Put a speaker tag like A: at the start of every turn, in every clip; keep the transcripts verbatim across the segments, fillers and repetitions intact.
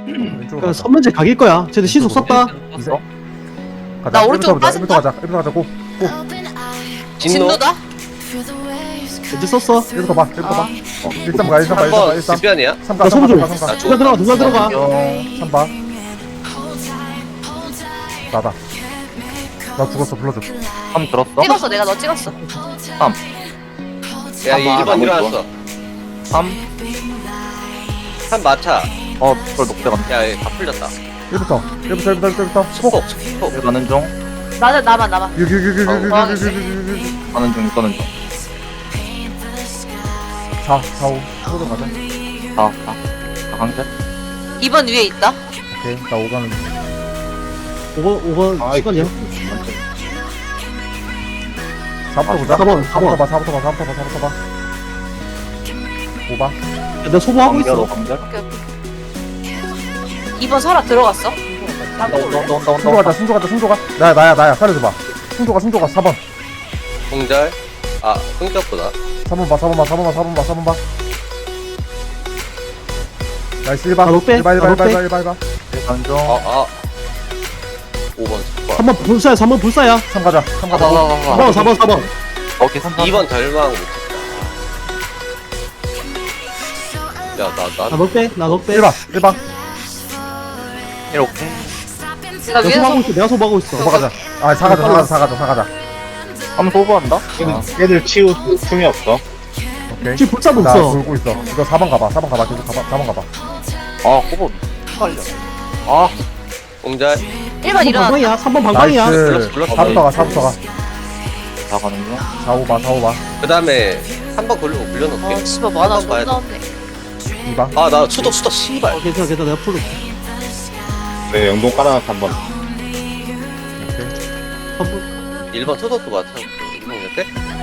A: 왼쪽으로
B: 그
A: 가자.
B: 선문제 각일 거야. 쟤들 시속 썼다.
A: 이세.
C: 어?
A: 가자.
D: 나 오른쪽으로
A: 일부터 가자.
D: 빠진다?
A: 일부터 가자. 고.
C: 진노
D: 진노다?
B: 이제 썼어.
A: 일부터 봐. 일부터 봐.
D: 어.
A: 일삼 가. 일삼 가. 일삼 가.
C: 한번
A: 일삼.
C: 뒷변이야?
A: 삼 가.
B: 나
A: 삼 가.
B: 소부
A: 삼
B: 좀.
A: 가. 삼 가.
B: 누가 들어가, 누가 들어가.
A: 삼 봐. 나다. 나 죽었어. 불러줘.
C: 삼 들었어?
D: 찍었어 내가 너 찍었어.
C: 야
E: 삼 봐,
C: 일 번
E: 나머지
C: 일어났어
E: 삼.
C: 삼 마차
E: 어, 그걸 녹대 간다.
C: 야다 풀렸다
A: 일부터. 일부터. 일부터. 일부터.
C: 스폭
A: 스폭.
C: 스폭
E: 일 가는 중.
D: 나는 나만 나만.
A: 여기 여기 여기 여기
D: 어,
A: 여기
D: 뭐
A: 여기
D: 하겠어?
A: 여기 여기.
E: 가는 중, 가는 중.
A: 사. 사. 오. 소도 가자.
E: 다, 다. 다 강제?
D: 이 번 위에 있다.
A: 오케이. 나 오 가는 중.
B: 오 번, 오 번
E: 아이,
B: 시간이야.
A: 사부터 보자.
B: 사 번, 사 번.
A: 사부터 봐. 사부터 봐. 사부터 봐. 사부터 봐. 오 봐.
B: 야, 내가 소부하고
E: 강제, 너
B: 있어.
E: 강제?
D: 오케이 오케이. 이 번 설아 들어갔어.
E: 온다, 온다, 온다, 온다,
A: 승조 가자. 승조 가자. 승조 가. 나야 나야 나야. 살려줘봐. 승조가 승조가 사 번.
C: 공절 아 흥적보다
A: 사 번 봐. 사 번 봐. 사 번 봐. 사 번 봐. 사 번 봐. 나이스 일 번.
B: 나 롯데,
A: 일 번 일
B: 나
A: 번 일 번
B: 롯데.
A: 일 번 일 번.
E: 일 가는 중.
C: 아아 오 번
B: 삼 번 불사야, 삼 번 불사야.
A: 삼 가자. 삼 가자.
B: 사 번, 사 번, 사 번.
E: 오케이, 삼,
C: 이 번 절망 못했다 야나나
B: 나 넉대, 나 넉대.
A: 일 번. 일 번.
E: 일 오케이.
D: 내가
B: 내가
D: 위에서
B: 소부하고 있어. 내가 소부하고 있어.
A: 오 번 가자. 아, 사 가자. 사 가자. 사 가자. 사 가자.
E: 삼 소부한다? 아,
F: 얘들 치우 틈이 없어.
A: 오케이.
B: 지금 불사도
A: 나
B: 없어.
A: 돌고 있어. 이거 사 번 가봐. 사 번 가봐. 계속 가봐. 사 번 가봐.
E: 아, 호보. 헷갈려. 아,
C: 공절
D: 일 번
B: 삼 번
D: 일어났다.
B: 방방이야. 삼 번 방방이야.
A: 나이스.
C: 불렀어, 불렀어.
A: 사부터 가. 사부터 가.
E: 다 가는 중.
A: 사 오 봐. 사 오 봐.
C: 그 다음에 한 번 굴리고
D: 아
C: 굴려놓을게
D: 씨발 뭐 하나
C: 한번 봐야
D: 존나
C: 돼.
D: 없네.
A: 이 번.
C: 아 나 수도 수도 씨발
B: 어, 괜찮아, 괜찮아. 내가 풀어.
F: 네, 영동 깔아놨어, 한 번.
A: 오케이.
B: 삼 번.
C: 일 번 수도도 맞춰 일 번 몇 대?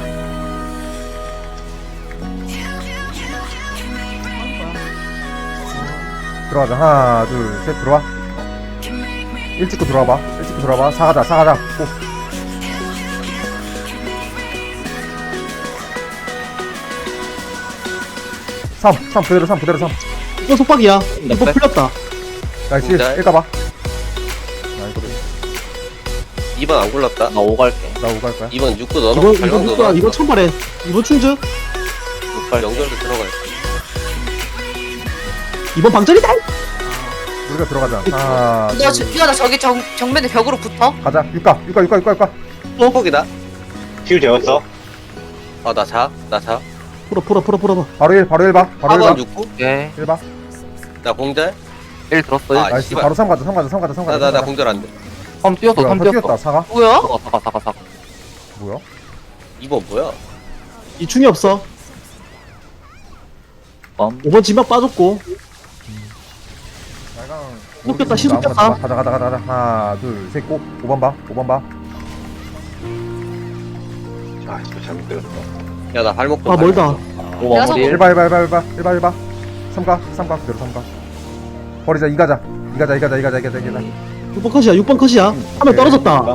A: 들어가자. 하나, 둘, 셋. 들어와. 일 찍고 들어와봐. 일 찍고 들어와봐. 사 가자. 사 가자. 고. 삼. 삼. 그대로 삼. 그대로 삼.
B: 이거 속박이야. 이거
E: 넉대?
B: 풀렸다.
A: 나이스.
C: 진짜?
A: 일 가봐. 나 이거
C: 이 번 안 굴렀다
E: 나 오 갈게.
A: 나 오 갈 거야.
C: 이 번 육구
B: 이번,
C: 넣어놓고
B: 이번
C: 발광도
B: 누가, 이번
C: 넣어놓고
B: 천발에. 이번 충주.
E: 육 갈게.
C: 연결도 들어가요
B: 이번 방전이다.
A: 우리가 들어가자. 하나,
D: 너
A: 둘,
D: 저- 이거 나 저기 정 정면에 벽으로 붙어.
A: 가자. 육 가. 육 가. 육 가. 육 가. 육 가.
C: 폭폭이다
F: 치우 재웠어.
C: 아나자나자
B: 풀어, 풀어, 풀어, 풀어.
A: 바로 일. 바로 일 봐. 바로
C: 사
A: 일
C: 번
A: 봐.
C: 육구
E: 오케이.
A: 일 봐.
C: 나 공절
E: 일 들었어.
C: 아,
E: 일.
A: 나이스.
C: 씨발.
A: 바로 삼 가자. 삼 가자. 삼 가자. 삼 가자.
C: 나 나 나
A: 삼 가자.
C: 공절 안돼
E: 삼 뛰었어,
A: 뭐야,
E: 삼
A: 더
E: 뛰었어.
A: 뛰었다. 사가.
D: 뭐야?
E: 사가, 사가, 사가, 사가.
A: 뭐야?
C: 이 번 뭐야
B: 이 충이 없어.
E: 빰.
B: 오 번 지막 빠졌고.
A: 빨강.
B: 시속됐다, 시속됐다.
A: 가자. 가자. 가자. 가자. 하나, 둘, 셋. 고. 오 번 봐. 오 번 봐.
F: 아, 진짜 잘못 들었어.
C: 야 나 발목도
B: 아, 멀다.
E: 오
D: 내가
E: 마무리
A: 일
E: 일.
A: 봐. 일 봐. 일 봐. 일 봐. 일 봐. 일 봐. 삼 가. 삼 가. 그대로 삼 가. 버리자. 이 가자. 이 가자. 이 가자. 이 가자. 이 가자. 이 가자.
B: 육 번 컷이야, 육 번 컷이야. 한 명 떨어졌다.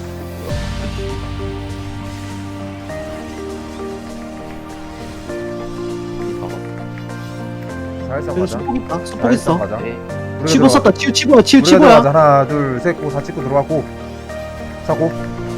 A: 살살
B: 여기
A: 가자.
B: 수폭 있다. 수폭
A: 살살
B: 있어.
A: 가자.
E: 오케이.
A: 우리가
B: 치고
A: 들어가-
B: 썼다. 치우, 치고야, 치우,
A: 우리가
B: 치고야.
A: 들어가자. 하나, 둘, 셋, 고, 사 찍고 들어가고. 사고.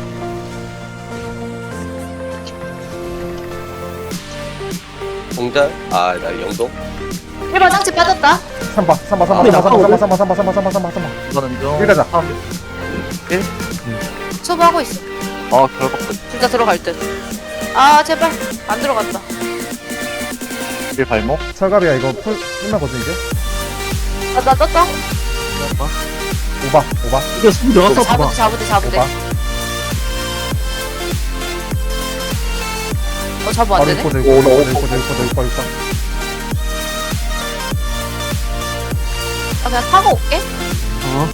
C: 공절 아나 영동
D: 일 번 상체 빠졌다.
A: 삼 봐. 삼 봐. 삼 봐.
B: 아,
A: 삼 봐. 삼 봐.
B: 나가고.
A: 삼 봐. 삼 봐. 삼 봐. 삼 봐. 삼 봐. 삼 봐. 삼 봐.
E: 가는 중.
A: 일 가자.
E: 삼. 일.
D: 소부하고 있어.
E: 아, 결국
D: 진짜 들어갈 듯. 아 제발 안 들어갔다.
E: 일 발목.
A: 철갑이야. 이거 풀 끝나거든 이제.
D: 아, 나 떴다.
A: 오 봐. 오 봐.
B: 이거 수폭 들어갔어, 봐봐.
D: 잡으대 잡으대
A: 오
D: 잡으대.
A: 봐.
D: 어 잡으면 안
A: 바로
D: 되네.
A: 육 거, 육 거, 육 거, 육 거, 육 거, 육 거, 육 거.
D: 아 그냥 타고 올게.
B: 어.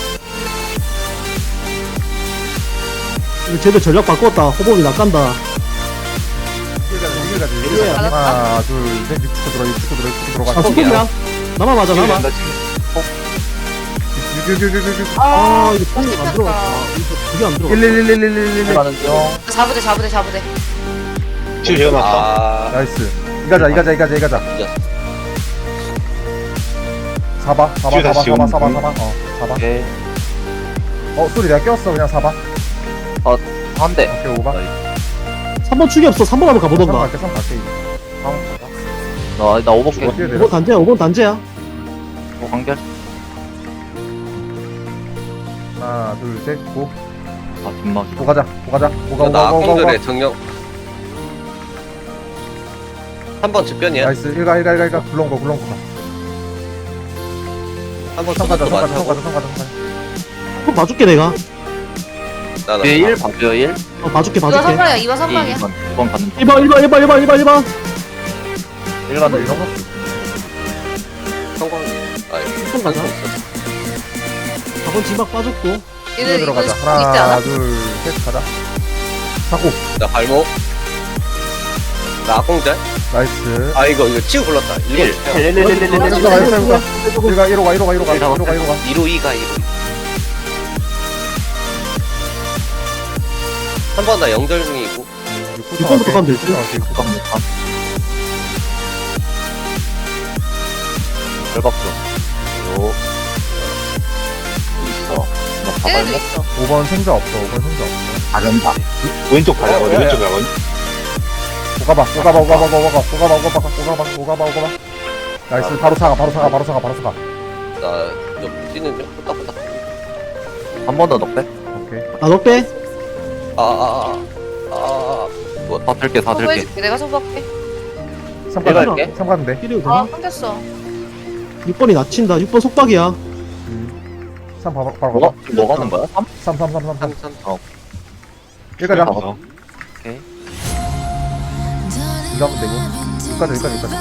B: 이거 쟤들 전략 바꿨다. 호복이 낚간다.
A: 이길 가자. 이길 가자. 이길
B: 이거야.
A: 가자. 하나, 둘, 셋. 육 초 들어가. 육 초 들어가. 육 초 들어가.
B: 아, 수폭이야. 나만 맞아, 나만.
E: 나 지금
A: 육, 육, 육, 육, 육, 육.
B: 아, 이거 뽕이 안
D: 씹혔다.
B: 들어갔다. 이거 그게 안 들어갔다.
A: 일, 일, 일, 일, 일, 일, 일.
E: 일 가는 중.
D: 잡으대 잡으대 잡으대.
F: 치우 재워놨어.
C: 아
A: 나이스. 이 가자. 이 가자. 이 가자. 이 가자.
C: 이겼어
A: 사봐 사봐
F: 치유
A: 사봐
F: 다시
A: 사봐
F: 온-
A: 사봐 사봐 어 사봐
E: 오케이.
A: 어 소리 내가 꼈어 그냥 사봐
E: 한 대.
A: 오케이 오바
B: 삼 번 축이 없어. 삼 번 한번
A: 삼
B: 가보던가.
A: 갈게 삼 갈게
E: 나, 나 오버게.
A: 어떻게
B: 오
A: 내려
B: 번 단제야. 오 번 단제야.
E: 오, 간결.
A: 하나 둘셋고
E: 아, 뒷막이.
A: 고 가자 고 가자 고가
C: 나
A: 고가 고가 고가
C: 악공들의 정령. 한 번 즉변이야.
A: 나이스 일가 일가 일가 일가 굴렁 거 굴렁 거
C: 한번
A: 성 가자
C: 소속도
A: 성 가자 성
C: 맞춰고.
A: 가자 성 가자 성 가자
B: 한번 봐줄게 내가.
C: 나나
E: 뒤에 일 봐줘요, 일.
B: 어 봐줄게
D: 이번
B: 봐줄게.
D: 선방이야. 이번 선방이야.
E: 이 번, 이 번 가는
B: 일 번 일 번 일 번 일 번 일 번 일 번.
E: 일 가는 일.
C: 성공. 아,
B: 한 가자. 사 번 지막 빠졌고.
D: 얘는 이거
A: 들어가자
D: 있지
A: 하나
D: 않아?
A: 둘셋 가자 사고
C: 나 발목. 나 악공절.
A: 나이스
C: 아 이거 이거 치고 불렀다.
E: 일.
C: 일.
E: 일, 일, 일, 일, 일, 일, 일.
A: 일가 일가 일가 일가 일로 가 일로 가 일로 가
E: 일
A: 일로 가 일로 가
C: 이로 이가 이로. 한 번 나 영절 중이고.
B: 육 번부터 가면 되지.
E: 잠깐만. 열박수. 요.
F: 있어.
E: 나
D: 얘네도
E: 가발목.
D: 있어.
A: 오 번 생자 없어 오 번 생자 없어
F: 가전다. 왼쪽 가자거든.
C: 어,
F: 왼쪽 가거든.
A: 오가봐 오가봐 오가봐 오가봐 오가봐 오가봐 오가봐 오가봐 오가봐 나이스 바로 사가 바로 사가 바로 사가 바로 사가
C: 나좀 뛰는 중. 후딱후딱.
E: 한 번 더 넣게.
A: 오케이
B: 아 너 빼.
C: 아아아아. 아.
E: 다 들게, 다 들게.
D: 소부해줄게. 내가 소부할게.
A: 삼
E: 내가
A: 가자
E: 할게.
A: 삼 가는데
B: 필요
D: 아
B: 되나?
D: 끊겼어.
B: 육 번이 낮친다. 육 번 속박이야.
A: 삼 바로 바로
E: 뭐가,
A: 가봐
E: 뭐 가는 거야? 삼?
A: 삼 삼 삼 삼 삼
C: 삼삼.
A: 일 가자
F: 어.
E: 오케이.
A: 이 가면 되고 육 가자 육 가자 육 가자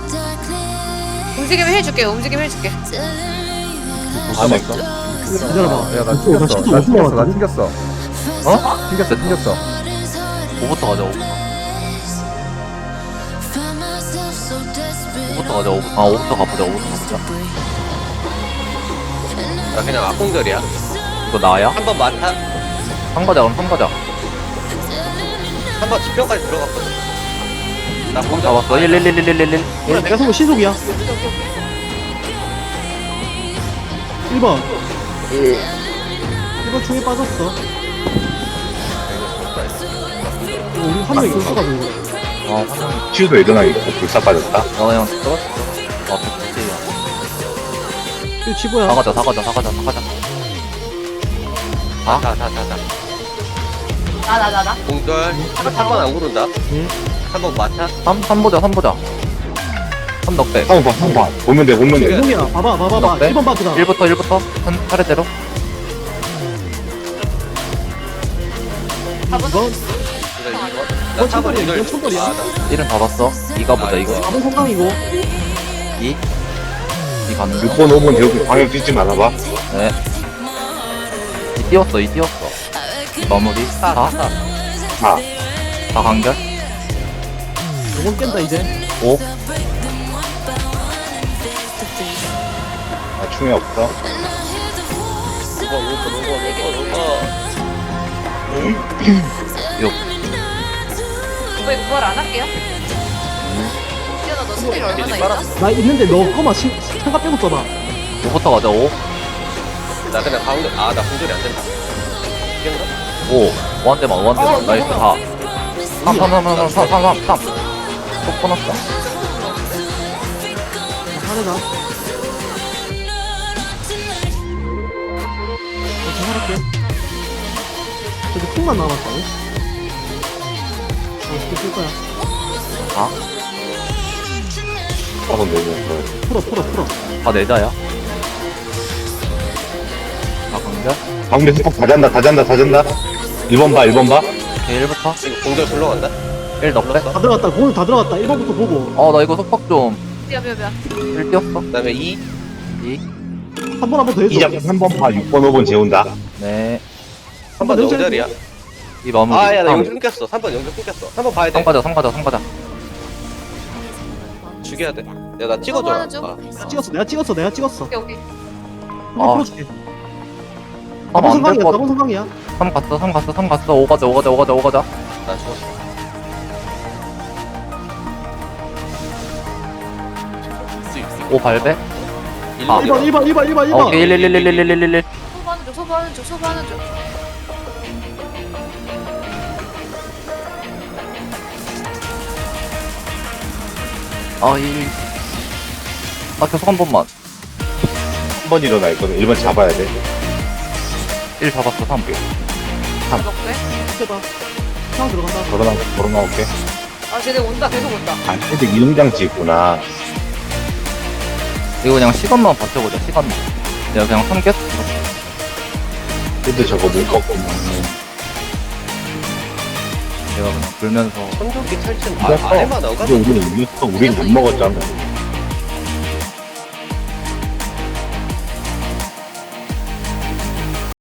D: 움직이면 해줄게. 움직이면 해줄게.
F: 안에
B: 기다려봐.
A: 야나
B: 육 번, 나
A: 튕겼어
B: 실수
A: 나
B: 못
A: 튕겼어 나
B: 먹었거든?
A: 튕겼어
E: 어?
A: 튕겼어 튕겼어
E: 오부터 가자, 오부터. 오부터 가자, 오부. 아, 오부터 가보자, 오부터 가보자.
C: 나 그냥 악공절이야.
E: 이거 나야?
C: 한 번 많다.
E: 한 가자, 그럼 한 가자.
C: 한 번 집병까지 들어갔거든. 나 공절.
E: 잡았어. 일, 일, 일, 일, 일, 일.
B: 예, 내가 속은 신속이야. 일 번. 일 번 충에 빠졌어. 이거 우리 한 명이 ገል써가지고.
E: 아, 화장이.
F: 치유도 일어나 있고 불사 빠졌다.
E: 나 그냥 떨어졌어. 아, 백지야.
B: 이거 치고야.
E: 사가자, 사가자, 사가자, 사가자.
C: 아, 자, 자, 자, 자.
D: 나 나 나 나.
C: 공절. 한 번 안 구른다.
B: 응.
C: 한 번 많다.
E: 삼, 삼 보자, 삼 보자. 삼 넉백.
F: 한번 봐, 한번 봐. 보면 돼, 보면 돼.
B: 이놈이야. 봐봐, 봐봐, 봐.
E: 어때?
B: 일 번 바꾸다.
E: 일부터, 일부터. 한 차례대로.
B: 이번
C: 그래, 이거.
B: 이건
C: 나 사 번
B: 천벌이야,
C: 영절.
B: 이건 천벌이야.
C: 아, 나-
E: 일은 잡았어. 이가 보자,
C: 아,
E: 이거.
B: 사 번 성강이고.
E: 이. 이 가는 중.
F: 육 번, 오 번 대고 방향 뛰지 말아봐.
E: 네. 이 띄웠어, 이 띄웠어. 마무리. 사.
C: 사.
F: 사.
E: 사 간결.
B: 이번 깬다 이제.
E: 오.
F: 아, 충이 없어.
C: 오 번, 오 번, 오 번, 오 번, 오 번.
E: 육.
D: 이거 이거 부활 안 할게요. 지현아 너 스킬 얼마나
C: 미리
D: 있나?
C: 빨았어.
B: 나 있는데 너 거만 신 창가 빼고 써봐.
E: 오부터 가자, 오.
C: 나 그냥 가운데. 아, 나 공절이 안 된다. 이겼나?
E: 오. 오한 대만, 오한 대만. 나이스, 사. 삼, 삼, 삼, 삼, 삼, 삼, 삼, 삼. 속 끊었어.
B: 하늘아. 저 할게. 저기 콩만 남았다고? 어, 쓸 거야.
E: 아,
F: 한번 내고.
B: 풀어, 풀어, 풀어.
E: 다 내자야. 사 간결.
F: 가운데 스폭 다 잔다, 다 잔다, 다 잔다. 일 번 봐, 일 번 봐.
E: 오케이, 일부터.
C: 이거 공절 불러간다.
E: 일 넉백.
B: 다 들어갔다. 공을 다 들어갔다. 일 번부터 보고.
E: 어, 나 이거 속박 좀.
D: 미안 미안 미안.
E: 일 띄웠어.
C: 그 다음에 이.
E: 이.
B: 한 번 한 번 더 해줘.
F: 이자 한 번 봐, 육 번, 오 번 재운다.
E: 네.
C: 한 번
B: 내자.
C: 영절이야.
E: 이 마무리.
C: 아, 야, 나
E: 삼.
C: 영절 끊겼어. 삼 번 영절 끊겼어. 한 번 봐야 돼.
E: 삼 가자, 삼 가자, 삼 가자.
C: 죽여야 돼. 야, 나 찍어줘라.
D: 하나 줘.
C: 아,
B: 찍었어. 내가 찍었어. 내가 찍었어.
D: 오케이 오케이.
B: 한번
E: 아.
B: 풀어줄게.
E: 삼
B: 나번
E: 안 될
B: 성강이야.
E: 것
B: 나번 성강이야.
E: 삼 갔어, 삼 갔어, 삼 갔어. 오 가자, 오 가자, 오 가자, 오 가자.
C: 나 죽었어.
E: 오 발배. 아.
B: 일 번 일 번 일 번 일 번 일
E: 아,
B: 번
E: 오케이 일 일 일 일 일 일 일 일.
D: 소부하는 중 소부하는 중 소부하는 중.
E: 아 일. 아 계속 한 번만.
F: 한 번 일어나 있거든. 일 번 잡아야 돼.
E: 일 잡았어 삼.
D: 먹게.
B: 해봐 상황 들어간다
F: 걸어나, 걸어나올게.
D: 아 쟤네 온다 계속 온다.
F: 아, 근데 이동장치 있구나.
E: 이거 그냥 시간만 버텨보자 시간만. 내가 그냥 삼겹.
F: 근데 저거 못 꺾고.
E: 내가 그냥 불면서.
C: 천조기 탈진 아,
F: 이겼어.
C: 아래만 어가
F: 근데 우리는 이겼어. 우린 못 먹었잖아.